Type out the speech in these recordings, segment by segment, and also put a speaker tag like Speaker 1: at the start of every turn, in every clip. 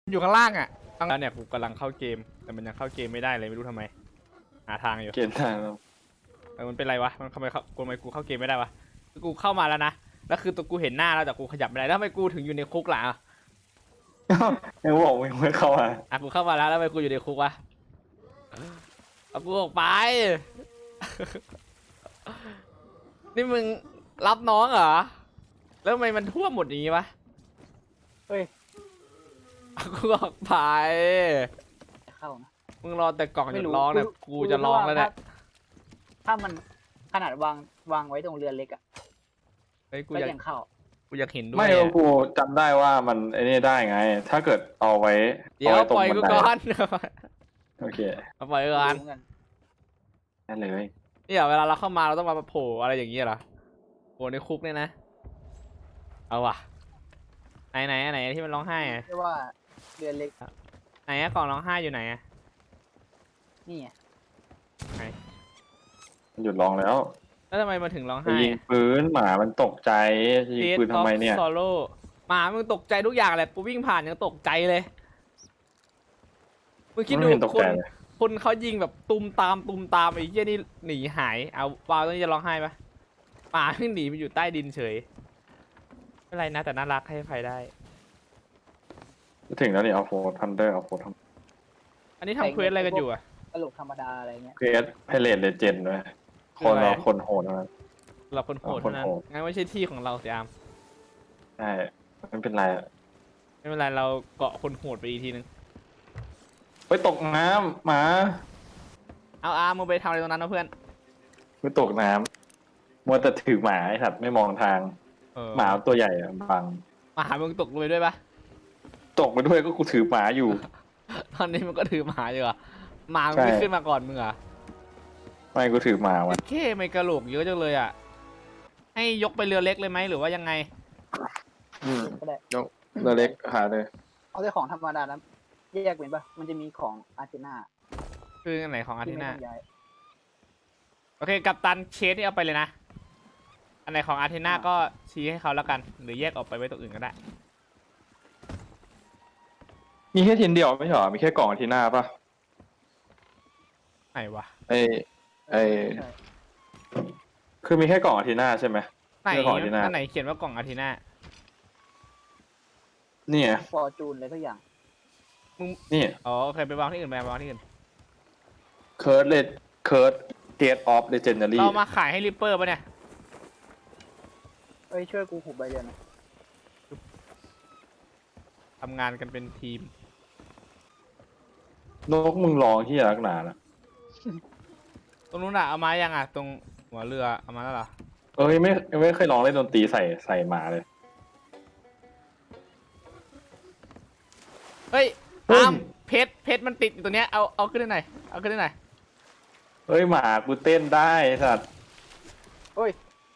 Speaker 1: อยู่ข้างล่างอ่ะตั้งแล้วเนี่ยกูกำลังเข้าเกมแต่มันยังเข้าเกมไม่ได้เลยไม่รู้ทำไมหาทางอยู่
Speaker 2: เกณฑ์ทางเรา
Speaker 1: มันเป็นไรวะมันทำไมกูเข้าเกมไม่ได้วะกูเข้ามาแล้วนะแล้วคือตัวกูเห็นหน้าแล้วแต่กูขยับไม่ได้แล้วทำไมกูถึงอยู่ในคุกล่ะ
Speaker 2: ยังบอกมึงไม่เข้ามา
Speaker 1: กูเข้ามาแล้วทำไมกูอยู่ในคุกวะเอากูออกไป นี่มึงรับน้องเหรอแล้วทำไมมันท่วมหมดอย่างงี้วะ
Speaker 3: เฮ้ย
Speaker 1: เอากูออกไป
Speaker 3: เข้านะ
Speaker 1: มึงรอแต่กล่องห
Speaker 3: ไม่
Speaker 1: ยุด
Speaker 3: รู้
Speaker 1: ร้องเนี่ยกูจะร้องแล้วเนี่ย
Speaker 3: ถ้ามันขนาดวางไว้ตรงเรือเล็กอ่ะ
Speaker 1: เฮ้ยกู
Speaker 3: ก็
Speaker 1: อยาก
Speaker 3: ยังเข้า
Speaker 1: กูอยากเห็นด้วย
Speaker 2: ไม่
Speaker 1: อะ
Speaker 2: กูจำได้ว่ามันไอ้นี่ได้ไง ถ้าเกิดเอาไว้
Speaker 1: เดี๋ยว
Speaker 2: ไว้ตร
Speaker 1: ป
Speaker 2: ง
Speaker 1: ล่อย
Speaker 2: บัน
Speaker 1: กู
Speaker 2: ได
Speaker 1: ก่อน
Speaker 2: โอเค
Speaker 1: เอาปล่อยกูก่อน
Speaker 3: รู้เหมือนกัน
Speaker 2: นั่นเลย
Speaker 1: เนี่ยเวลาเราเข้ามาเราต้องมาโผล่อะไรอย่างเงี้ยเหรอโผล่ในคุกเนี่ยนะเอาว่ะไหนที่มันร้องไห้อะ
Speaker 3: เรียกว่าเรือเล็ก
Speaker 1: ไหนอะกล่องร้องไห้อยู่ไหนอะ
Speaker 3: นี่ไง
Speaker 2: มันหยุดร้องแล้ว
Speaker 1: แล้วทำไมมันถึงร้อง
Speaker 2: ไป
Speaker 1: ไห้
Speaker 2: ยิงปืนหมามันตกใจจะยิงปืนทำไมเนี่ย
Speaker 1: ซอโล่หมามึงตกใจทุกอย่างแหละกูวิ่งผ่านยังตกใจเลยมึงคิด
Speaker 2: ไม่
Speaker 1: ดู
Speaker 2: เห็นตก
Speaker 1: ค
Speaker 2: ใจ
Speaker 1: น
Speaker 2: เลย
Speaker 1: คนเขายิงแบบตุมตามไอ้เหี้ยนี่หนีหายเอาวาวตอนนี้จะร้องไห้ปะหมาขึ้นหนีไปอยู่ใต้ดินเฉยไม่เป็นไรนะแต่น่ารักให้ไฟได้
Speaker 2: จะถึงแล้วนี่เอาโฟทันเดอร์เอาโฟท
Speaker 1: อันนี้ทำเควสอะไรกันอยู่อะ
Speaker 3: ตลกธรรมดาอะไรเงี้ย
Speaker 2: เพสไพเรตเลเจนด์ด้วยคนเราคนโหดนะ
Speaker 1: เราคนโหดเท่านั้น
Speaker 2: คนโหด
Speaker 1: งั้นไม่ใช่ที่ของเราสิอาม
Speaker 2: ใช่ไม่เป็นไรอะ
Speaker 1: ไม่เป็นไรเราเกาะคนโหดไปอีกทีนึง
Speaker 2: ไปตกน้ำหมา
Speaker 1: เอาอาร์มมึงไปทำอะไรตรงนั้นนะเพื่อน
Speaker 2: ไปตกน้ำมัวแต่ถือหมาไอ้สัตว์ไม่มองทาง
Speaker 1: เออ
Speaker 2: หมาตัวใหญ่อะบัง
Speaker 1: หมามึงตกลงไปด้วยปะ
Speaker 2: ตกไปด้วยก็กูถือหมาอยู่
Speaker 1: ตอนนี้มันก็ถือหมาอยู่อะหมามึง
Speaker 2: ใช่
Speaker 1: ไม่ขึ้นมาก่อนมึงเหรอ
Speaker 2: ไม่กูถือหมาวัน
Speaker 1: เค้ไม่กระโหลกเยอะจังเลยอะให้ยกไปเรือเล็กเลยไหมหรือว่ายังไง
Speaker 3: ก็ได้
Speaker 2: ยกเรือเล็กหาเลย
Speaker 3: เอาแต่ของธรรมดานะแยกเป็นปะมันจะมีของอาร์เจน่า
Speaker 1: คืออันไหนของอาร์
Speaker 3: ที่
Speaker 1: เท
Speaker 3: ไม่
Speaker 1: น่า
Speaker 3: ต้องย้าย
Speaker 1: โอเคกัปตันเชสนี่เอาไปเลยนะ อันไหนของอาร์เทน่าก็ชี้ให้เขาแล้วกัน หรือแยกออกไปไว้ตัวอื่นก็ได้
Speaker 2: มีแค่ทีนเดียวไม่ใช่หรอมีแค่กล่องอาทีหน้าปะ
Speaker 1: ไหนวะ
Speaker 2: ไอ
Speaker 3: ใช่
Speaker 2: คือมีแค่กล่องอาทีหน้าใช่ไหม
Speaker 1: ไหน
Speaker 2: เรื่องของอาร์เทน่า
Speaker 1: อันไหนเขียนว่ากล่องอาร์เทน่า
Speaker 2: นี่ไง
Speaker 3: ฟอร์จูนอะไรทุกอย่าง
Speaker 2: นี่
Speaker 1: อ๋อโอเคไปวางที่อื่นไปวางที่อื่น
Speaker 2: เคิร์ดเลดเคิร์ดเกตออฟเลเจนดารี่
Speaker 1: เรามาขายให้ริปเปอร์ปะเนี่ย
Speaker 3: เอ้ยช่วยกูหุบใบเรือนหนะ
Speaker 1: ทำงานกันเป็นทีม
Speaker 2: นกมึงร้องที่รักหนานะ
Speaker 1: ตรงนู้นอะเอามายังอะตรงหัวเรือเอามาแล้วเหรอ
Speaker 2: ไม่เคยร้องเล่นดนตรีใส่หมาเลย
Speaker 1: เฮ้ย
Speaker 2: เฮ้ย
Speaker 1: อามเพชรมันติดอยู่ตรงเนี้ยเอาขึ้นได้หน่อยเอาขึ้นได้หน่อย
Speaker 2: เฮ้ยหมากูเต้นได้ไอ้สัตว์
Speaker 3: เฮ้ย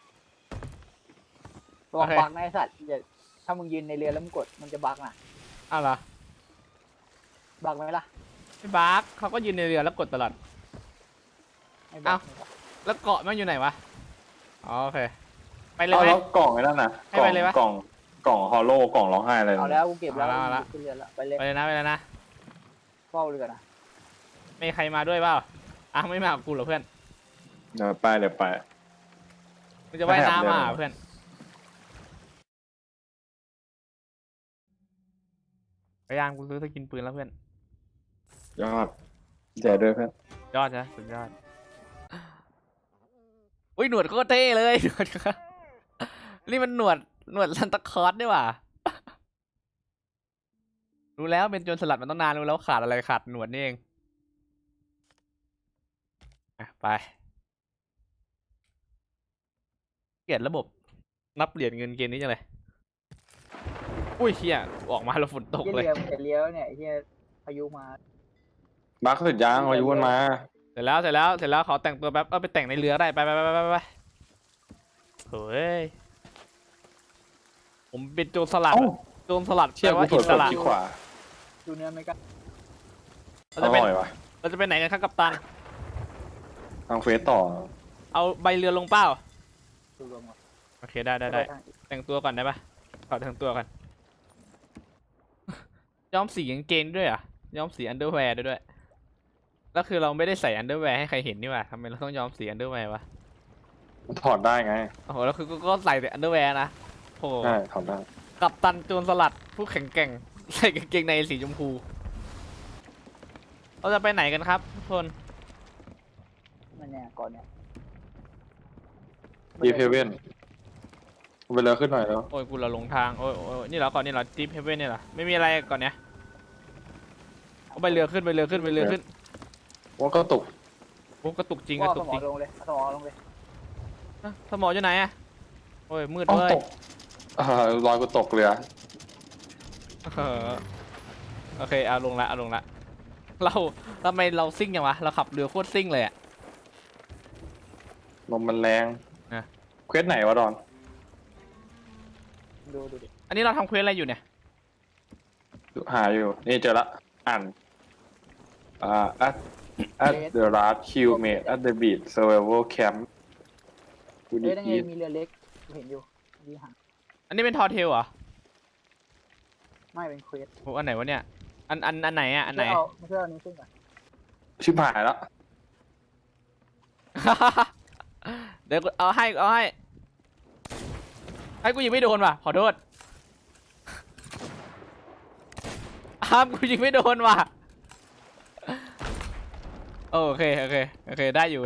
Speaker 3: ระวังบักนะไอสัตว์อย่าถ้ามึงยืนในเรือแล้วมึงกดมันจะบักนะ
Speaker 1: เอาเหรอ
Speaker 3: บักไหมล่ะ
Speaker 1: ไม่บาร์กเขาก็ยืนในเรือแล้วกดตลอด
Speaker 3: ไม่บัก
Speaker 1: แล้วเกาะมันอยู่ไหนวะอ๋อโอเคไปเลย
Speaker 2: เอา
Speaker 1: ไหม
Speaker 2: แล้วกล่องไอ้นั่นน่ะ
Speaker 1: ให้ไปเลยวะ
Speaker 2: กล่องฮอลโลกล่องร้องไห้อะไร
Speaker 3: เอาแล้วกูเก็บแล้ว
Speaker 1: เอาละ
Speaker 3: ขึ้นเรือแล้วไปเลย
Speaker 1: ไปเลยนะ
Speaker 3: เฝ้าเรือนะ
Speaker 1: ไม่มีใครมาด้วยเปล่าอ่ะไม่มากับกูเหรอเพื่อน
Speaker 2: เดี๋ยวไป
Speaker 1: มึงจะว่ายน้ำมา
Speaker 2: ไม่
Speaker 1: เพื่อนพยายามกูซื้อสกินปืนแล้วเพื่อน
Speaker 2: ยอดแจด้วยเพื่อน
Speaker 1: ยอดนะสุดยอดอุ้ยหนวดโคตรเท่เลย หนวดนี่มันหนวดซันตาคลอสด้วยว่ะรู้แล้วเป็นโจรสลัดมันต้องนานรู้แล้วขาดอะไรขาดหนวดนี่เองอ่ะไปเกลียดระบบนับเหรียญเงินเกมนี้จังเลยอุ้ยเฮียออกมาแล้วฝนตก
Speaker 3: เหี้ย
Speaker 1: เลย
Speaker 3: เรือมันจะเลี้ยวเนี่ยไอ้เฮียพายุมา
Speaker 2: บักสุดยางอายุมันมา
Speaker 1: เสร็จแล้วขอแต่งตัวแป๊บไปแต่งในเรือได้ไปเฮ้ยผมเป็นโจรสลัด
Speaker 2: เอ้า
Speaker 1: โจรสลัด
Speaker 2: เชี่ย
Speaker 1: แปล
Speaker 2: กู
Speaker 1: ว่า
Speaker 2: เปิ
Speaker 1: อิ
Speaker 2: ด
Speaker 1: สระ
Speaker 2: ที่ขวา
Speaker 3: ดูเนื้อไหมกัน
Speaker 1: เรา
Speaker 2: อ
Speaker 1: จะไป
Speaker 2: ร่อยว่ะ
Speaker 1: เราจะไปไหนกันครับกัปตัน
Speaker 2: ทางเฟสต่อ
Speaker 1: เอาใบเรือลงเป้า
Speaker 3: ดูรวมก่อน
Speaker 1: โอเคได้
Speaker 3: ไปทาง
Speaker 1: แต่งตัวก่อนได้ปะขอแต่งตัวก่อนย้อมสีกางเกงด้วยเหรอ่ะย้อมสีอันเดอร์แวร์ด้วยแล้วคือเราไม่ได้ใส่อันเดอร์แวร์ให้ใครเห็นนี่หว่าทำไมเราต้องย้อมสีอันเดอร์แวร์วะ
Speaker 2: มันถอดได้ไง
Speaker 1: โอ้โหแล้วคือก็ใส่แต่อันเดอร์แวร์นะโอ้โห
Speaker 2: ใช่ถอดได้
Speaker 1: กัปตันโจรสลัดผู้แข็งแกร่งใส่กางเกงในสีชมพูเราจะไปไหนกันครับทุกคน
Speaker 3: มันเนี่ยก่อนเนี่ย
Speaker 2: ดีเพเว่นไปเรือขึ้นหน่อยแล้ว
Speaker 1: โอ้ยกูเราหลงทางโอ้ยโอ้ยนี่เหรอก่อนนี่เหรอจีพเฮเว่นนี่เหรอไม่มีอะไรก่อนเนี้ยเอาไปเรือขึ้นไปเรือขึ้นไปเรือขึ้น
Speaker 2: ว่าก็ตก
Speaker 1: โอ้กระตุกจริงก
Speaker 3: ว่า
Speaker 1: ระ
Speaker 3: ส
Speaker 1: ตุก
Speaker 3: มอ
Speaker 1: จริง
Speaker 3: ลงเลยสมอลงเลย
Speaker 1: อ่ะสมออยู่ไหนอะโอ้ยมืด
Speaker 2: อ๋อ
Speaker 1: เว้ย
Speaker 2: ตกรอยกูตกเรือ
Speaker 1: เออโอเคเอาลงละเอาลงละเราทำไมเราซิ่งอย่างวะเราขับเรือโคตรซิ่งเลยอะ
Speaker 2: ลมมันแรง
Speaker 1: อ่ะ
Speaker 2: เควสไหนวะดอน
Speaker 3: ดูดิ
Speaker 1: อันนี้เราทำเควสอะไรอยู่เนี่ย
Speaker 2: หาอยู่ นี่เจอละอ่านat the last kill made at the beach survival camp กู
Speaker 3: เอ้
Speaker 2: ดี
Speaker 3: ยนั่นไง
Speaker 2: กี
Speaker 3: มีเรือเล็กกูเห็นอยู่ดีหาง
Speaker 1: อันนี้เป็นทอเทลเหรอ
Speaker 3: ไม่เป็นเควส
Speaker 1: โอ้อันไหนวะเนี่ยอันไหนอะอันไหน
Speaker 3: ไม่ใช่เอานี้ขึ้นก่อน
Speaker 2: ชิบหายแล้ว
Speaker 1: เดี๋ยวกูเอาให้ให้กูยิงไม่โดนว่ะขอโทษอ้ามกูยิงไม่โดนว่ะโอเคได้อยู่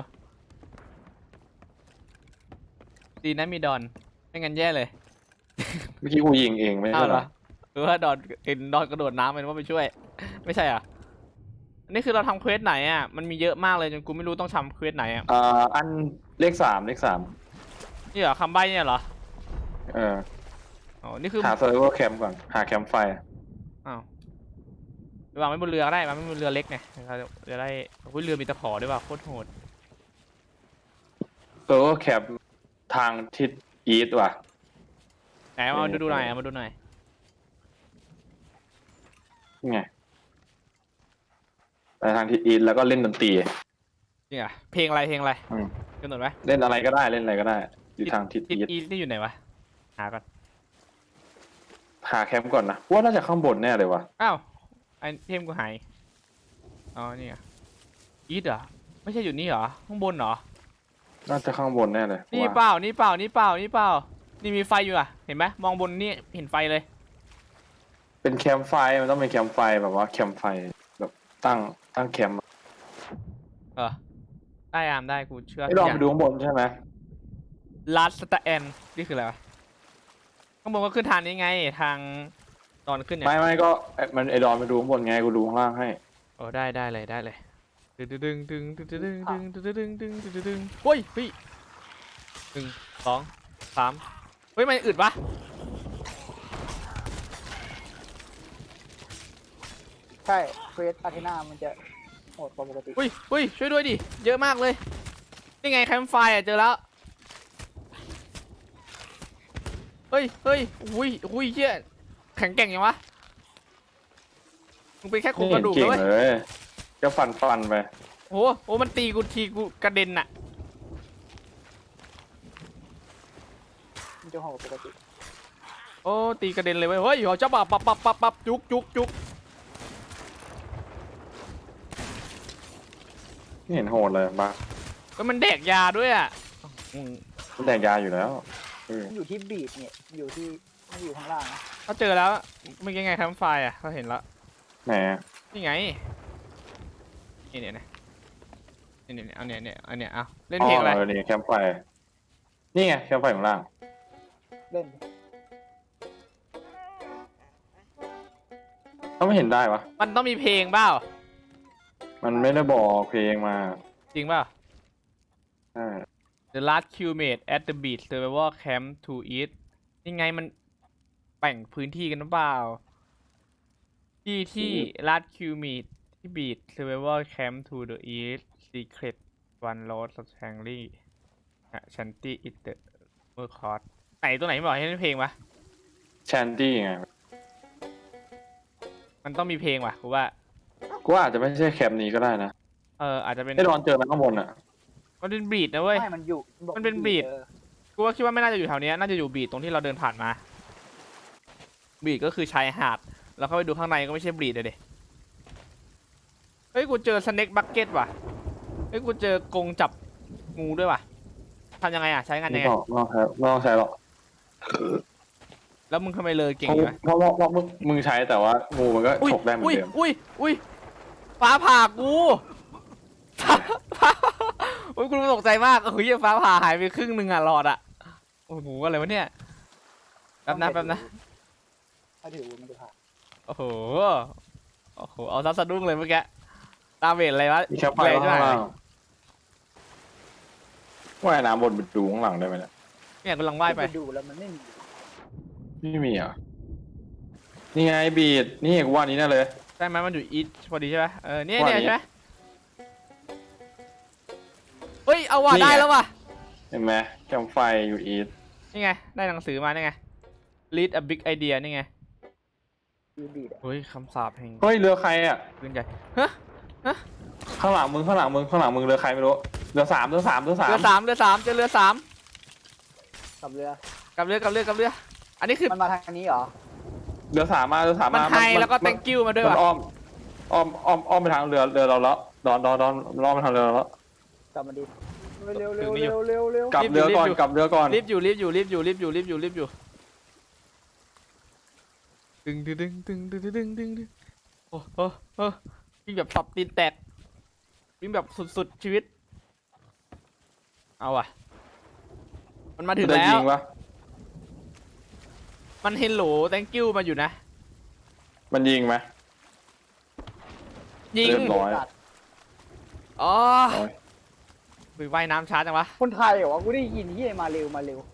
Speaker 1: ดีนะมีดอนไม่งั้นแย่เลย
Speaker 2: เมื่อกี้กูยิงเองไม่
Speaker 1: อ้า
Speaker 2: ใช่
Speaker 1: ว
Speaker 2: เห
Speaker 1: เห
Speaker 2: ร
Speaker 1: ร
Speaker 2: อ
Speaker 1: อหรือว่าดอนเห็นดอนกระโดดน้ำเป็นว่าไปช่วย ไม่ใช่อ่ะอันนี้คือเราทำเควสไหนอ่ะมันมีเยอะมากเลยจนกูไม่รู้ต้องทำเควสไหนอ่ะ
Speaker 2: อันเลขสาม
Speaker 1: นี่เหรอคำใบ้เนี่ยเหรอ
Speaker 2: เออ
Speaker 1: อ๋อนี่คือ
Speaker 2: หา survival camp ก่อน หาแคมป์ไฟ
Speaker 1: อ้าววางไว้บนเรือก็ได้วางไว้บนเรือเล็กไงเราจะได้อุ้ยเรือมีตะขอด้วยว่ะโคตรโหด
Speaker 2: survival camp ทางทิศ east ว่ะ
Speaker 1: ไหนเอาดูหน่อยเอามาดูหน่อย
Speaker 2: นี่ไงไปทางทิศ east แล้วก็เล่นดนตรี
Speaker 1: จริงอ่ะเพลงอะไร
Speaker 2: อืม
Speaker 1: กำหนดไหม
Speaker 2: เล่นอะไรก็ได้เล่นอะไรก็ได้ อยู่ทางทิศ
Speaker 1: ทิศ
Speaker 2: east
Speaker 1: อีนี่อยู่ไหนวะหาก่อน
Speaker 2: หาแคมป์ก่อนนะว่าน่าจะข้างบนแน่เลยว่ะ
Speaker 1: อ้าวไอเทมกูหายอ๋อนี่อ่ะอีทเหรอไม่ใช่อยู่นี่เหรอข้างบนเหรอ
Speaker 2: น่าจะข้างบนแน่เลย
Speaker 1: นี่
Speaker 2: ว่า
Speaker 1: เปล่านี่มีไฟอยู่อ่ะเห็นไหมมองบนนี่เห็นไฟเลย
Speaker 2: เป็นแคมป์ไฟมันต้องเป็นแคมป์ไฟแบบว่าแคมป์ไฟแบบตั้งแคมป์
Speaker 1: เออได้อามได้กูเชื่อ
Speaker 2: ให้ลองไปดูข้างบนใช่ไหม
Speaker 1: ลัสตาแอนนี่คืออะไรวะข้างบนก็ขึ้นทางนี้ไงทางตอนขึ้นเนี่ย
Speaker 2: ไม่ก็มันไอดอนไปดูข้างบนไงกูดูข้างล่างให้
Speaker 1: โอ้ได้เลยดึงโอ้ยพี่1 2 3เฮ้ยมันอึดปะ
Speaker 3: ใช่เควสอาเทนามันจะโหดกว่าปกติ
Speaker 1: อุ้ยช่วยด้วยดิเยอะมากเลยนี่ไงแคมป์ไฟอ่ะเจอแล้วเฮ้ยอุ้ยเชี่ยแข็งแกร่งยังวะมึงเป็นแค่โครงกระดูก
Speaker 2: เก่ง
Speaker 1: นะเว้ย
Speaker 2: เลยก็ฟันไป
Speaker 1: โอ้มันตีกูทีกูกระเด็นน่ะ
Speaker 3: มันจะโหดกว่าปกติ
Speaker 1: โอ้ตีกระเด็นเลยเว้ยเฮ้ยเขาจะปับจุก
Speaker 2: ไม่เห็นโหดเลยบ้า
Speaker 1: ก็มันแดกยาด้วยอ่ะ
Speaker 2: มันแดกยาอยู่แล้ว
Speaker 3: มันอยู่ที่บีดเนี่ยอยู่ที่ไม่อยู่ข้างล่างนะ
Speaker 1: เขาเจอแล้วเมื่อกี้ไงแคมป์ไฟอ่ะเขาเห็นแล้ว
Speaker 2: แหม
Speaker 1: นี่ไงนี่เนี่ยเอาเนี่ยเอาเล่น
Speaker 2: อ๋
Speaker 1: เพลงอะไร
Speaker 2: อนี่แคมป์ไฟนี่ไงแคมป์ไฟข้างล่าง
Speaker 3: เล่น
Speaker 2: เขาไม่เห็นได้วะ
Speaker 1: มันต้องมีเพลงเปล่า
Speaker 2: มันไม่ได้บอกเพลงมา
Speaker 1: จริงเปล่า
Speaker 2: ใช่
Speaker 1: The last crewmate at the beach survival camp to eat นี่ไงมันแบ่งพื้นที่กันหรือเปล่าที่ last crewmate ที่ beach survival camp to the east secret one lost strangely shanty it the mer court ไหนตัวไหนไม่บอกให้เล่นเพลงวะ
Speaker 2: แชนตี้ไง
Speaker 1: มันต้องมีเพลงว่ะกูว่า
Speaker 2: กูว่าอาจจะไม่ใช่แคมป์นี้ก็ได้นะ
Speaker 1: อาจจะเป็น
Speaker 2: ไอดอนเจอมันข้างบนอ่ะ
Speaker 1: มันเป็นบีดนะเว้ย
Speaker 3: ไม่มันอยู่บอก
Speaker 1: มันเป็นบีด กูว่าคิดว่าไม่น่าจะอยู่แถวเนี้ยน่าจะอยู่บีดตรงที่เราเดินผ่านมา บีดก็คือชายหาดแล้วเข้าไปดูข้างในก็ไม่ใช่บลีดเลยดิเฮ้ยกูเจอสเน็กบักเก็ตว่ะเฮ้ยกูเจอกรงจับงูด้วยว่ะทำยังไงอ่ะใช้งานยังไง
Speaker 2: ไม่ต้องใช้หรอก
Speaker 1: แล้วมึงทำไมเลยเก่ง
Speaker 2: เพราะ
Speaker 1: อยู่วะ
Speaker 2: เพราะเพราะมึงใช้แต่ว่างูมันก็ฉกได้เหมือนเดิม
Speaker 1: อุ้ยฟ้าผ่ากูฟ้าอุ้ยกูตกใจมากโอ้ยฟ้าผ่าหายไปครึ่งหนึ่งอ่ะหลอดอ่ะโอ้โหอะไรวะเนี่ยแป๊บนะ
Speaker 3: ถ้าถือมันจะผ่าน
Speaker 1: โอ้โหเอาซัดสะดุ้งเลยเมื่อกี้ตาเวทอะไรวะ
Speaker 2: มีแค่ไฟ
Speaker 1: แรงใช่ไหม
Speaker 2: ข้างล่างว่ายน้ำบนดูข้างหลังได้ไหมเนี่ย
Speaker 1: เนี่ยกำลังว่ายไป
Speaker 3: ดูแล้วมันไม่มี
Speaker 2: ไม่มีอ่ะนี่ไงบีดนี่กูว่านี้แน่เลย
Speaker 1: ใช่ไหมมันอยู่อีทพอดีใช่ไหมเนี่ย
Speaker 2: ว่า
Speaker 1: ใช่ไหมเฮ้ยเอาว่ะ
Speaker 2: นี่ไง
Speaker 1: ได้แล้วว่ะ
Speaker 2: เห็นไหมแคมไฟอยู่อีท
Speaker 1: นี่ไงได้หนังสือมานี่ไง lead a big idea นี่ไง
Speaker 3: ดูดีอ่ะ
Speaker 1: เฮ้ยคำสาปแห่ง
Speaker 2: เฮ้ยเรือใครอ่ะ
Speaker 1: ปืนใหญ่ฮะ
Speaker 2: ข้างหลังมึงเรือใครไม่รู้เรือสาม
Speaker 1: เรือสามเจอเรือสาม
Speaker 3: กับเรือ
Speaker 1: กับเรืออันนี้คือ
Speaker 3: มันมาทางนี้เหรอ
Speaker 2: เรือสามมา
Speaker 1: มันไฮแล้วก็ thank you มาด้วย
Speaker 2: มัน
Speaker 1: ว่ะ
Speaker 2: อ้อมไปทางเรือเราแล้วดอนล้อมไปทางเรือเราแล้ว
Speaker 3: กลับมาดิเร็ว
Speaker 2: กลับเรือก่อน
Speaker 1: รีบอยู่ดึงโอ้วิ่งแบบสับตีนแตกวิ่งแบบสุดชีวิตเอาอ่ะมันมาถึง
Speaker 2: ได้
Speaker 1: แล้
Speaker 2: ยิ
Speaker 1: ว
Speaker 2: งปะ
Speaker 1: มันเฮลโหล thank you มาอยู่นะ
Speaker 2: มันยิงไหม
Speaker 1: ยิง
Speaker 2: เรียบร้อย
Speaker 1: อ๋อ
Speaker 2: โอ้ย
Speaker 1: คุยว่ายน้ำช้าจังวะ
Speaker 3: คนไทยเหรอวะกูได้ยินที่มาเร็ว
Speaker 1: มาเลย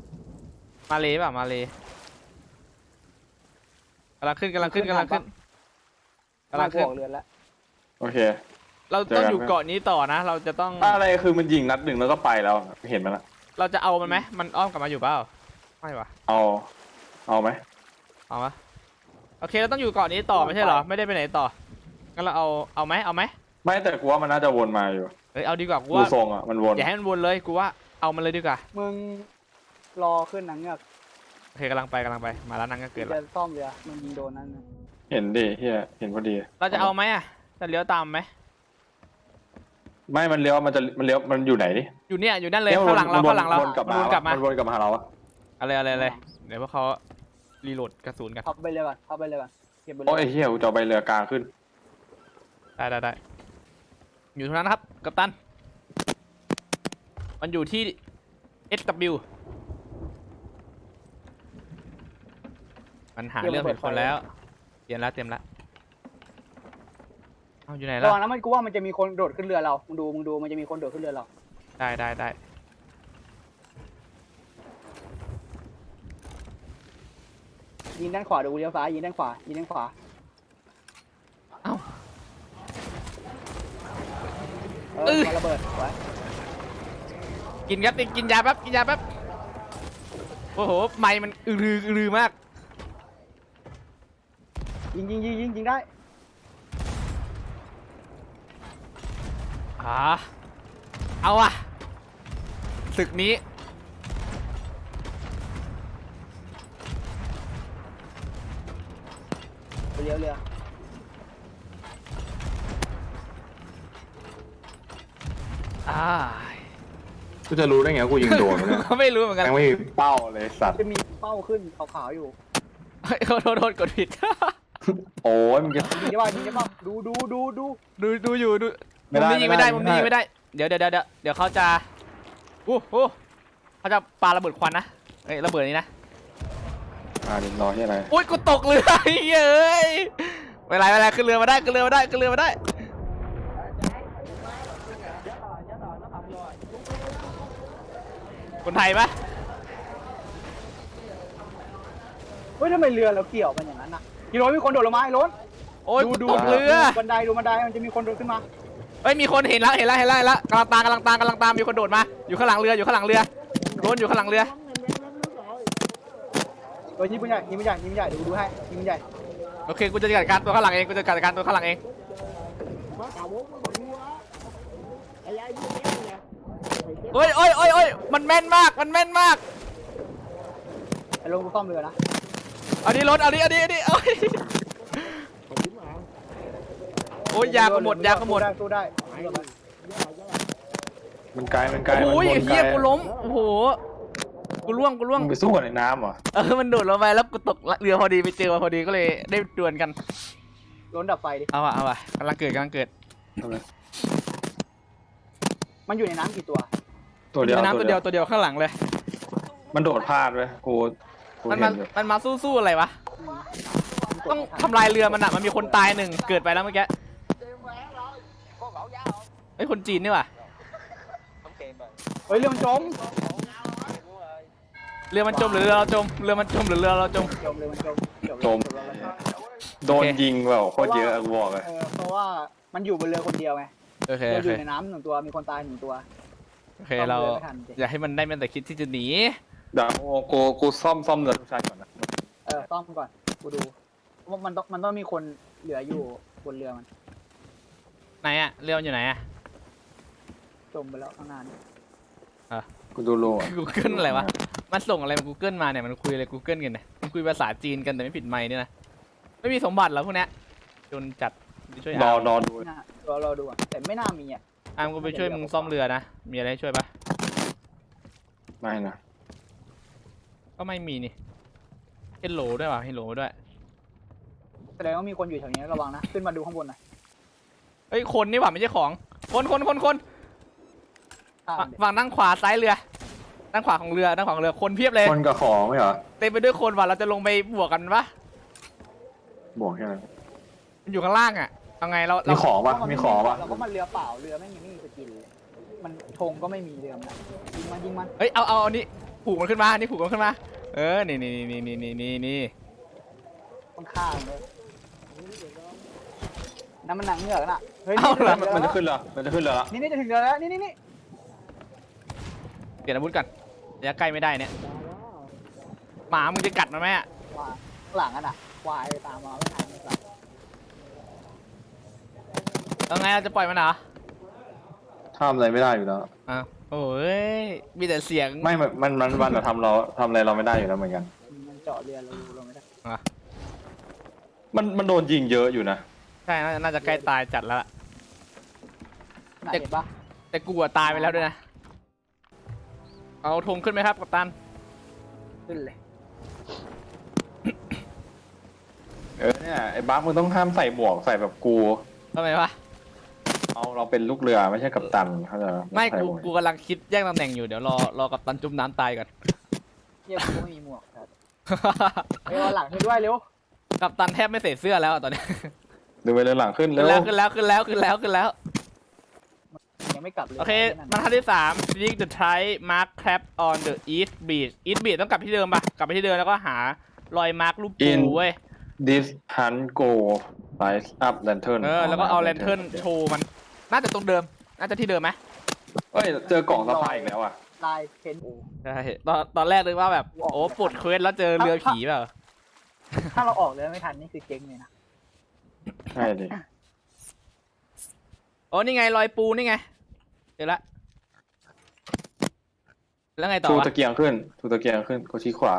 Speaker 1: กำลังขึ้น
Speaker 3: มาบอกเรือนแล้ว
Speaker 2: โอเค
Speaker 1: เราต้องอยู่เกาะนี้ต่อนะ เราจะต้อง
Speaker 2: อะไรคือมันยิงนัดหนึ่งแล้วก็ไปแล้วเห็นมันละ
Speaker 1: เราจะเอามันไหมมันอ้อมกลับมาอยู่เปล่าไม่วะ
Speaker 2: เอาไหม
Speaker 1: เอาวะโอเคเราต้องอยู่เกาะนี้ต่อไม่ใช่เหรอไม่ได้ไปไหนต่องั้นเราเอาไหม
Speaker 2: ไม่แต่กูว่ามันน่าจะวนมาอยู่
Speaker 1: เฮ้ยเอาดีกว่ากู
Speaker 2: ดู
Speaker 1: ว่า
Speaker 2: ทรงอ่ะมันวน
Speaker 1: อย่าให้มันวนเลยกูว่าเอามันเลยดีกว่า
Speaker 3: มึงรอขึ้นหนังเงือก
Speaker 1: โอเคกำลังไปมาแล้วนั่งก็เกิด
Speaker 3: จะ
Speaker 1: แล้ว
Speaker 3: ซ่อมเรือมันยิงโดนนั่น
Speaker 2: เห็นดิเฮียเห็นพอดี
Speaker 1: เราจะเอาไหมอ่ะจะเลี้ยวตามไหม
Speaker 2: ไม่มันเลี้ยวมันอยู่ไหนดิ
Speaker 1: อยู่เนี่ยอยู่นั่นเลยข้างหลังเรามันวนกลับมา
Speaker 2: มันวนกลับมาหาเราอะ
Speaker 1: อะไรเดี๋ยวพวกเขารีโหลดกระสุนกัน
Speaker 3: พับไปเลยก่อนเก็บไปเล
Speaker 2: โอ้ย
Speaker 3: ย
Speaker 2: เฮียกูจะเอาไปเรือกลางขึ้น
Speaker 1: ได้อยู่ตรงนั้นนะครับกัปตันมันอยู่ที่ SW มันหาเรื่องเป็นคนแล้วเตรียมแล้วเอาอยู่ไหน
Speaker 3: ระ
Speaker 1: แล้ว
Speaker 3: วังนะมันกูว่ามันจะมีคนโดดขึ้นเรือเรามึงดูมันจะมีคนโดดขึ้นเรือเรา
Speaker 1: ได้
Speaker 3: ยิงด้านขวาดูเลี้ยวซ้ายยิงด้านขวา
Speaker 1: เอ้า
Speaker 3: มาระเบิดไว้
Speaker 1: กินครับกินยาแป๊บโอ้โหไม้มันอือมาก
Speaker 3: ยิงได้
Speaker 1: เอาอะศึกนี้
Speaker 3: ไปเลี้ยวเรือ
Speaker 2: กูจะรู้ได้ไงว่ากูยิงโดนเนี่ย
Speaker 1: ไม่รู้เหมือนกัน
Speaker 2: ยังไม่มีเป้าเลยสัตว์
Speaker 3: จะมีเป้าขึ้นขาวๆอยู่
Speaker 1: โทษกดผิด
Speaker 2: โอ้ยมึงจะ
Speaker 3: ยิงได้ป่ะดู
Speaker 1: ดูอยู่มุมนี้ยิงไม่ได้เดี๋ยวเขาจะเขาจะปาระเบิดควันนะเอ้ยระเบิดนี้นะ
Speaker 2: เดี๋ยวรอที่อะไร
Speaker 1: อุ้ยกูตกเรือเย้ยไม่เป็นไรขึ้นเรือมาได้คนไทยปะ
Speaker 3: เฮ้ยทำไมเรือเราเกี่ยวมันอย่างนั้นน่ะพี่โรนมีคนโดดลงมาไอ้โรน
Speaker 1: โอ้ยกูตกเรือ
Speaker 3: บันไดมันจะมีคนโดดขึ้นมา
Speaker 1: เฮ้ยมีคนเห็นแล้วกำลังตามมีคนโดดมาอยู่ข้างหลังเรือโดนอยู่ข้างหลังเรือ
Speaker 3: ยิงมันใหญ่ดูให้ยิงมันใหญ่
Speaker 1: โอเคกูจะจัดการตัวข้างหลังเองเฮ้ยมันแม่นมาก
Speaker 3: ไอ้โรนกูซ่อมเรือนะ
Speaker 1: เอาดิรถเอาดิโอ้ยยาก็หมดยาก็หมด
Speaker 3: สู้ได้
Speaker 2: มันไกลมันไกล
Speaker 1: โอ้ย
Speaker 2: มันวน
Speaker 1: เฮีย
Speaker 2: ไกล
Speaker 1: กูล้มโอ้โหกูล่วง
Speaker 2: มึงไปสู้กับในน้ำเหรอ
Speaker 1: มันโดดลงไปแล้วกูตกเรือพอดีไปเจอมาพอดีก็เลยได้ดวลกัน
Speaker 3: ล้นดับไฟดิ
Speaker 1: เอาว่ะกำลังเกิด
Speaker 2: ทำไม
Speaker 3: มันอยู่ในน้ำกี่ตัว
Speaker 2: ตัวเดียว
Speaker 1: ในน้ำตัวเดียวข้างหลังเลย
Speaker 2: มันโดดพลาดเว้ยกู
Speaker 1: มัน
Speaker 2: เห็
Speaker 1: มาน
Speaker 2: อยู่
Speaker 1: มันมาสู้อะไรวะต้องทำลายเรือมันอะมันมีคนตายหนึ่งเกิดไปแล้วเมื่อกี้ไอ้ยคนจีนนี่ว่ะ
Speaker 3: เฮ้ยเรือมันจม
Speaker 1: เรือมันจมหรือเรือเราจมเรือมันจมหรือเรือเราจม
Speaker 3: จมเลยมันจม
Speaker 2: จมโดนยิงแบบโคตรเยอะกูบอกเลย
Speaker 3: เพราะว่ามันอยู่บนเรือคนเดียวไง
Speaker 1: โอเค
Speaker 3: เรืออยู่ในน้ำ1 ตัวมีคนตาย1 ตัว
Speaker 1: โอเคเรา
Speaker 3: ซ่อมเรือไม่ทันสิ
Speaker 1: อย่าให้มันได้แม้แต่คิดที่จะหนี
Speaker 2: เดี๋ยวกูซ่อมเรือทุกชายก่อนนะ
Speaker 3: ซ่อมก่อนกูดูว่ามันต้องมีคนเหลืออยู่บนเรือมัน
Speaker 1: ไหนอะเรือมันอยู่ไหนอะ
Speaker 3: จมไปแล้วข้างหน้านี่
Speaker 2: กูดูโล
Speaker 1: Google อะไรวะมันส่งอะไรมา Google มาเนี่ยมันคุยอะไร Google กันเนี่ยมันคุยภาษาจีนกันแต่ไม่ผิดไมค์เนี่ยนะไม่มีสมบัติเหรอพวกเนี้ยจนจัดไปช่วย
Speaker 2: รอ
Speaker 1: อาร์ม
Speaker 2: รอดู
Speaker 3: น่าเราดูอ่ะแต่ไม่น่ามีอ่ะ
Speaker 1: อาร์มก็ไปช่วยมึงซ่อมเรือนะมีอะไรให้ช่วยปะ
Speaker 2: ไม่นะ
Speaker 1: ก็ไม่มีนี่เฮลโหลด้วยว่ะเฮลโหลด้วย
Speaker 3: แสดงว่ามีคนอยู่แถวนี้ระวังนะขึ้นมาดูข้างบนหน่อย
Speaker 1: เฮ้ยคนนี่หว่าไม่ใช่ของคน
Speaker 3: ข้ามดิ
Speaker 1: ฝั่งด้านขวาซ้ายเรือด้านขวาของเรือคนเพียบเลย
Speaker 2: คนกับของไม่เหรอ
Speaker 1: เต็มไปด้วยคนว่ะเราจะลงไปบวกกันปะ
Speaker 2: บวกแค่นั้น
Speaker 1: มันอยู่ข้างล่างอ่ะเอาไงเรา
Speaker 2: มีของปะ
Speaker 3: เพราะน
Speaker 2: มีของปะ
Speaker 3: เราก็มันเรือเปล่าเรือไม่มีสกินเลยมันธงก็ไม่มีเรือมันยิงมัน
Speaker 1: เฮ้ยเอาอันนี้ผูกมันขึ้นมาอันนี้ผูกมันขึ้นมานี่
Speaker 3: ข้างๆเลยน้ำมันหนังเหงือกน่ะเฮ้ย
Speaker 2: มันจะขึ้นเหรอมันจะขึ้นเหรอ
Speaker 3: นี่จะถึงเรือแล้วนี่
Speaker 1: เปลี่ยนอาวุธกันระยะใกล้ไม่ได้เนี่ยหมามึงจะกัดมันไหมอ่ะ
Speaker 3: ว่าหลังอ่ะน่ะควายตามมาไม่ทันเลยครับ
Speaker 1: เอาไงเราจะปล่อยมันเหรอ
Speaker 2: ทำอะไรไม่ได้อยู่แล้ว
Speaker 1: อ้าวโอ้ยมีแต่เสียง
Speaker 2: ไม่มันทำอะไรเราไม่ได้อยู่แล้วเหมือนกัน
Speaker 3: มันเจาะเรือเราดูเราไม่ได้
Speaker 2: มันโดนยิงเยอะอยู่นะ
Speaker 1: ใช่น่าจะใกล้ตายจัดแล้วล่ะ
Speaker 3: น่าเห็นปะ
Speaker 1: แต่กูอะตายไปแล้วด้วยนะเอาธงขึ้นไหมครับกัปตัน
Speaker 3: ขึ้นเลย
Speaker 2: เนี่ยไอ้บั๊กมึงต้องห้ามใส่หมวกใส่แบบกู
Speaker 1: ทำไมวะ
Speaker 2: เราเป็นลูกเรือไม่ใช่กัปตันเขาใจ
Speaker 1: ไม่
Speaker 2: ใส่หว
Speaker 1: กูกำลังคิดแย่งตำแหน่งอยู่เดี๋ยวรอกัปตันจุ่มน้ำตายก่อน
Speaker 3: เยี่ยมกูไม่มีหมวกครับเฮ้ยเอาหลังให้ด้วยเร็ว
Speaker 1: กัปตันแทบไม่ใส่เสื้อแล้วอะตอนนี้
Speaker 2: ดูไปเลยหลังขึ้น
Speaker 1: ขึ้
Speaker 2: เร็
Speaker 1: น
Speaker 2: ว
Speaker 1: แล้ว
Speaker 3: ยังไม่กลับเลย
Speaker 1: โอเคบรรทัดที่3 Dig the tide mark crab on the east beach east beach ต้องกลับที่เดิมปะกลับไปที่เดิมแล้วก็หารอยมาร์กรูปปูเว้ย
Speaker 2: this hunt go light up lantern
Speaker 1: แล้วก็เอาแลนเทิร์นโชว์มัน น่าจะตรงเดิม น่าจะที่เดิมไหม
Speaker 2: เฮ้ยเจอกล่องสะพายอีกแล้วอ่ะ
Speaker 3: ลายเพน
Speaker 1: ใช่ตอนแรกเลยว่าแบบ โอ้ปลดเควสแล้วเจอเรือผีเปล่า
Speaker 3: ถ้าเราออกเรือไม่ทันนี่คือเจ๊งเลยนะ
Speaker 2: ใช่ดิ
Speaker 1: โอ้นี่ไงรอยปูนี่ไงเจอละแล้วไงต่อ
Speaker 2: ชู
Speaker 1: วะ
Speaker 2: ตะเกียงขึ้นกดชี้ขวา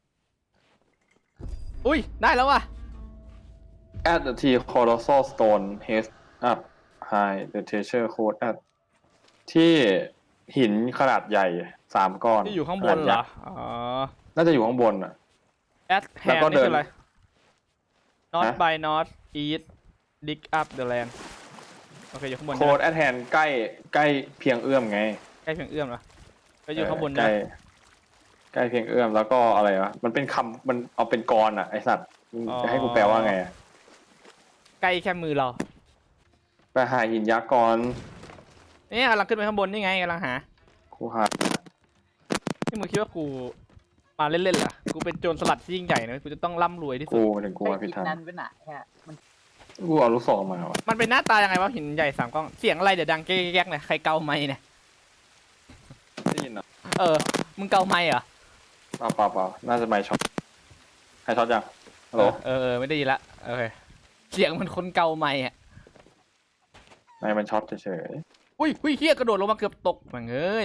Speaker 1: อุ้ยได้แล้วว่ะ
Speaker 2: at the T colossal stone head up high the treasure code at ที่หินขนาดใหญ่3 ก้อน
Speaker 1: ที่อยู่ข้างบน
Speaker 2: ขด
Speaker 1: เหร
Speaker 2: ยั
Speaker 1: อก
Speaker 2: ษ์
Speaker 1: อ๋อ
Speaker 2: น่าจะอยู่ข้างบนอ่ะ
Speaker 1: at
Speaker 2: แล้ว
Speaker 1: hand
Speaker 2: ก็
Speaker 1: นี่
Speaker 2: เดิน
Speaker 1: คืออะไร not
Speaker 2: ฮะ
Speaker 1: by north east dig up the land โอเคอยู่ข้างบน
Speaker 2: โคด at hand ใกล้เพียงเอื้อมไง
Speaker 1: ใกล้เพียงเอื้อมเหรอก็อยู่ข้างบน
Speaker 2: ใก
Speaker 1: นะ
Speaker 2: ล้ใกล้เพียงเอื้อมแล้วก็อะไรวะมันเป็นคำมันเอาเป็นกรอ่ะไอสัตว์จะให้กูแปลว่าไงอะ
Speaker 1: ใกล้แค่มือเรา
Speaker 2: ไปหาหินยักษ์ก่อน
Speaker 1: นี่กำลังขึ้นไปข้างบนนี่ไงกำลังหา
Speaker 2: กูหา
Speaker 1: นี่มึงคิดว่ากูมาเล่นๆเหรอกูเป็นโจรสลัดที่ยิ่งใหญ่นะกูจะต้องร่ำรวยที่สุ
Speaker 2: กู
Speaker 1: ด
Speaker 2: มาถึงกูมาผิดทาง
Speaker 3: นั่นเป็นหนะฮะมัน
Speaker 2: กูเอาลูกศรมาวะ
Speaker 1: มันเป็นหน้าตายังไงวะหินใหญ่3 ก้องเสียงอะไรเดี๋ยวดังแก๊กๆเนี่ยใครเกาไม้เนี่ย
Speaker 2: ได้ยินเหรอ
Speaker 1: มึงเกาไม้เหรอ
Speaker 2: เปล่าน่าจะไม่ช็อตใครช็อตยังฮัลโหล
Speaker 1: ไม่ได้ยินละโอเคเสียงมันคนเกาไม้อะ
Speaker 2: ไม่มันช็อตเฉย
Speaker 1: อุ้ยเฮียกระโดดลงมาเกือบตกมึงเอ้ย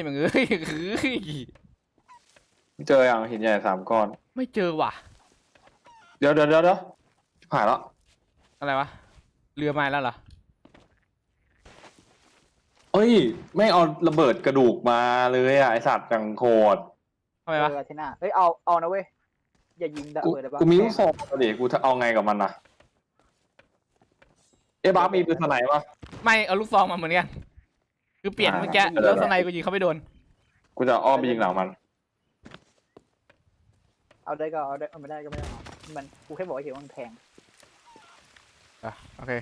Speaker 2: ๆเจออย่างหินใหญ่3 ก้อน
Speaker 1: ไม่เจอว่ะ
Speaker 2: เดี๋ยวผ่านแล้ว
Speaker 1: อะไรวะเรือไม้แล้วเหรอ
Speaker 2: เอ้ยไม่เอาระเบิดกระดูกมาเลยอ่ะไอสัตว์จังโคตร
Speaker 1: ทำไมวะ
Speaker 3: เทน่าเฮ้ยเอานะเว้ยอย่ายิงระ
Speaker 2: กู
Speaker 3: เบิดได้ปะ
Speaker 2: กูมีลูกซองดิกูจะเอาไงกับมันนะเอ๊ะบ้ามีปืนสไนป์ปะ
Speaker 1: ไม่เอาลูกซองมาเหมือนกันคือเปลี่ยนเมื่อกี้แล้วสไนกูยิงเขาไม่โดน
Speaker 2: กูจะอ้อมไปยิงหลังมัน
Speaker 3: เอาได้ก็เอาได้เอาไม่ได้ก็ไม่ได้เอามันกูแค่บอกว่าเห็นว่ามันแพง
Speaker 1: อ่ะโอเค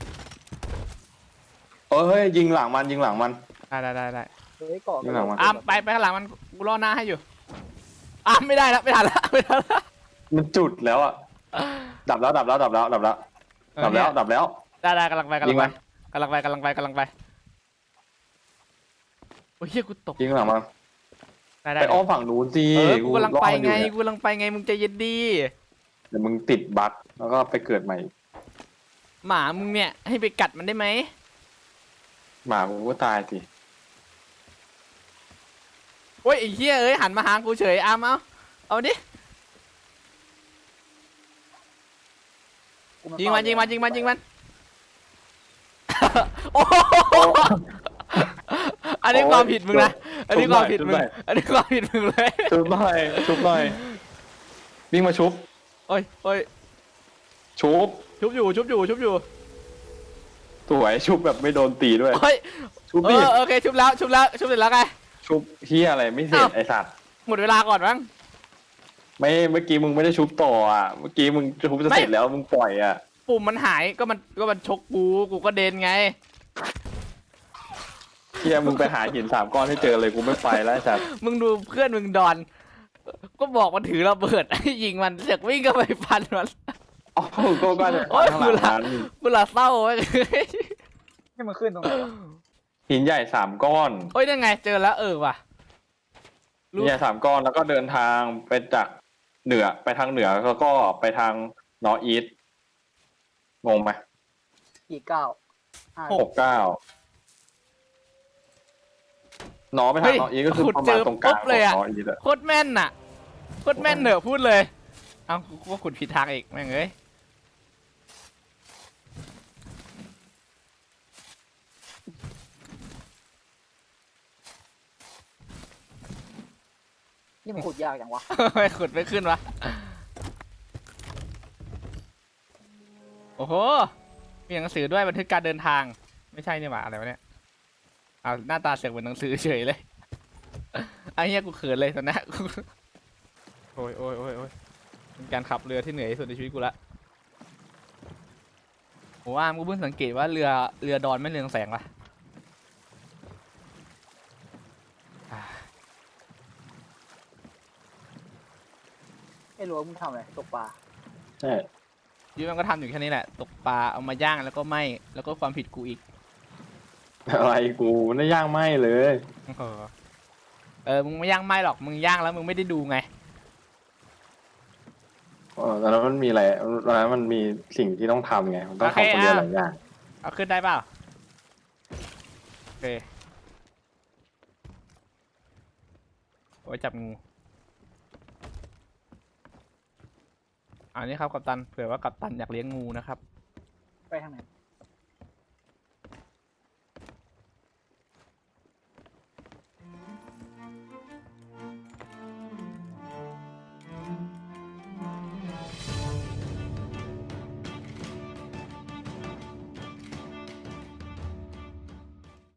Speaker 2: เฮ้ยยิงหลังมันยิงหลังมัน
Speaker 1: ได้
Speaker 3: เฮ้ยก่อ
Speaker 2: ยิงหลังมัน
Speaker 1: อ่ะไปข้างหลังมันกูรอหน้าให้อยู่อ่ะไม่ได้แล้วไม่ทันแล้วไม่ทันแล้ว
Speaker 2: มันจุดแล้วอ่ะดับแล้วได้กำ
Speaker 1: ลังไป
Speaker 2: ยิงมัน
Speaker 1: กำลังไปโอ้ยเฮียกูตก
Speaker 2: ยิงหลังมัน
Speaker 1: ได้
Speaker 2: ไปอ้อมฝั่งนู้นสิ
Speaker 1: กูกำลังไปไง
Speaker 2: รออยู่เนี่ย
Speaker 1: กูกำลังไปไงมึงใจเย็นดี
Speaker 2: เดี๋ยวมึงติดบั๊กแล้วก็ไปเกิดใหม่
Speaker 1: หมามึงเนี่ยให้ไปกัดมันได้ไหม
Speaker 2: หมากูก็ตายสิ
Speaker 1: โอ้ยไอ้เฮียเอ้ยหันมาหากูเฉยเอาดิ
Speaker 3: กูา
Speaker 1: ยิงมัน
Speaker 3: เฝ้า
Speaker 1: โอ้โหอันนี้ความผิดมึงนะอันนี้ความผิดมึงอันนี้ความผิดมึงเลย
Speaker 2: ชุบหน่อยวิ่งมาชุบ
Speaker 1: โอ้ย
Speaker 2: ชุบ
Speaker 1: ชุบอยู่
Speaker 2: สวยชุบแบบไม่โดนตีด้วย
Speaker 1: โอ้ย
Speaker 2: ชุบดิ
Speaker 1: โอเคชุบเสร็จแล้วไง
Speaker 2: ชุบเฮียอะไรไม่เสร็จ
Speaker 1: อ้าว
Speaker 2: ไอสัตว์
Speaker 1: หมดเวลาก่อนมั้ง
Speaker 2: ไม่เมื่อกี้มึงไม่ได้ชุบต่ออ่ะเมื่อกี้มึงชุบจะเสร็จแล้วมึงปล่อยอ่ะ
Speaker 1: ปุ่มมันหายก็มันชกกูก็เดินไง
Speaker 2: เฮียมึงไปหาหิน3 ก้อนให้เจอเลยกูไม่ไปแล้วไอ้สัตว์
Speaker 1: มึงดูเพื่อนมึงดอน ก็บอกมันถือระเบิด ยิงมันเสอกวิ่งก็ไปฟันมัน
Speaker 2: อ๋อก็จะ
Speaker 1: โอ๊ย
Speaker 2: ข้างหลังนั้น
Speaker 1: กูละเศร้าเว้ย
Speaker 3: ให้มันขึ้นตรงไหนวะ
Speaker 2: หินใหญ่3 ก้อน
Speaker 1: โอ้ยนั่นไงเจอแล้วว่ะ
Speaker 2: หินใหญ่3 ก้อนแล้วก็เดินทางไปจากเหนือไปทางเหนือแล้วก็ไปทางนอร์อีสงงไหม
Speaker 3: กี่เก้าห้า
Speaker 2: 69นอไปทางนอร์อีสก็คือประมาณตรงกลางของนอร์อีสอะ
Speaker 1: โคตรแม่นน่ะโคตรแม่นเหนอะพูดเลย เอ้ากูก็ขุดผิดทางอีกแม่งเอ้ย
Speaker 3: นี่มันขุดยากจังวะ
Speaker 1: ไม่ขุดไม่ขึ้นวะ โอ้โห มีหนังสือด้วยบันทึกการเดินทาง ไม่ใช่นี่หว่าอะไรวะเนี่ยเอาหน้าตาเสียงเหมือนหนังสือเฉยเลยไอ้เหี้ยกูเขินเลยตอนนี้ โอ้ยเป็นการขับเรือที่เหนื่อยที่สุดในชีวิตกูละโหกูเพิ่งสังเกตว่าเรือดอนไม่เรืองแสงว่ะอ่า
Speaker 3: ไอ้รั้วมึงทำอะไรตกปลา
Speaker 2: ใช่
Speaker 1: ชีวิตมันก็ทำอยู่แค่นี้แหละ ตกปลาเอามาย่างแล้วก็ไหม้แล้วก็ความผิดกูอีก
Speaker 2: อะไรกูไม่ได้ย่างไหมเลย
Speaker 1: มึงไม่ย่างไหม้หรอกมึงย่างแล้วมึงไม่ได้ดูไง
Speaker 2: ตอนนั้นมันมีอะไรตอนนั้นมันมีสิ่งที่ต้องทำไงมันต้องทำคนเดียวหลายอย่าง
Speaker 1: เอาขึ้นได้เปล่าโอเคโอ้ยจับงูอันนี้ครับกัปตันเผื่อว่ากัปตันอยากเลี้ยงงูนะครับ
Speaker 3: ไปทางไหน